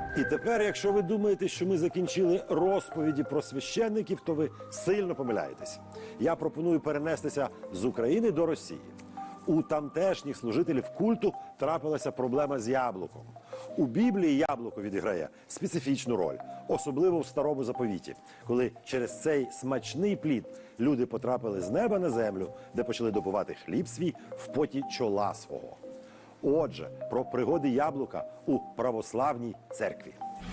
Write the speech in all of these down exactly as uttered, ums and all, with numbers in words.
І тепер, якщо ви думаєте, що ми закінчили розповіді про священників, то ви сильно помиляєтесь. Я пропоную перенестися з України до Росії. У тамтешніх служителів культу трапилася проблема з яблуком. У Біблії яблуко відіграє специфічну роль, особливо в Старому Заповіті, коли через цей смачний плід люди потрапили з неба на землю, де почали добувати хліб свій в поті чола свого. Отже, про пригоди яблука у православній церкві.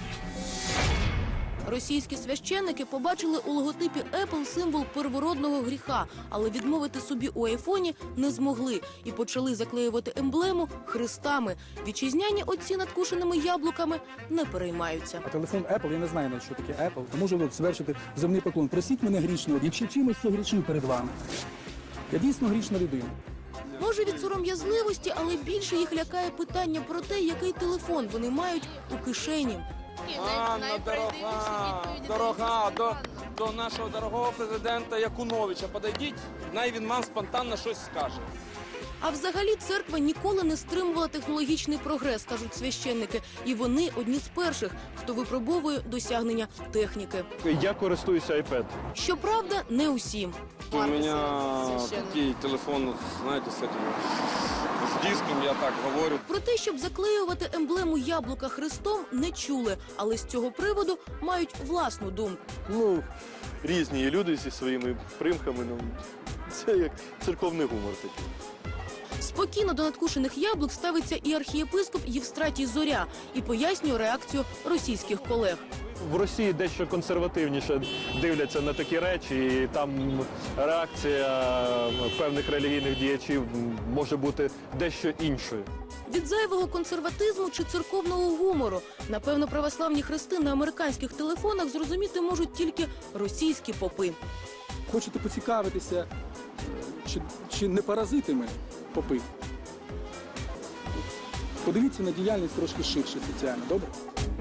Російські священники побачили у логотипі Apple символ первородного гріха, але відмовити собі у айфоні не змогли і почали заклеювати емблему хрестами. Вітчизняні отці над кушеними яблуками не переймаються. А телефон Apple, я не знаю, навіть, що таке Apple, то можу от звершити земний поклон. Просіть мене грішного, якщо чимось согрішив перед вами. Я дійсно грішна людина. Може, від сором'язливості, але більше їх лякає питання про те, який телефон вони мають у кишені. Анна, дорога, дорога, до, до нашого дорогого президента Якуновича подойдіть, най він вам спонтанно щось скаже. А взагалі церква ніколи не стримувала технологічний прогрес, кажуть священники. І вони одні з перших, хто випробовує досягнення техніки. Я користуюся iPad. Щоправда, не усі. У мене такий телефон, знаєте, з, этим, з диском, я так говорю. Про те, щоб заклеювати емблему яблука хрестом, не чули, але з цього приводу мають власну думку. Ну, різні є люди зі своїми примками. Ну, це як церковний гумор такий. Спокійно до надкушених яблук ставиться і архієпископ Євстратій Зоря і пояснює реакцію російських колег. В Росії дещо консервативніше дивляться на такі речі, і там реакція певних релігійних діячів може бути дещо іншою. Від зайвого консерватизму чи церковного гумору, напевно, православні хрести на американських телефонах зрозуміти можуть тільки російські попи. Хочете поцікавитися, чи, чи не паразитами попи? Подивіться на діяльність трошки ширше соціально, добре?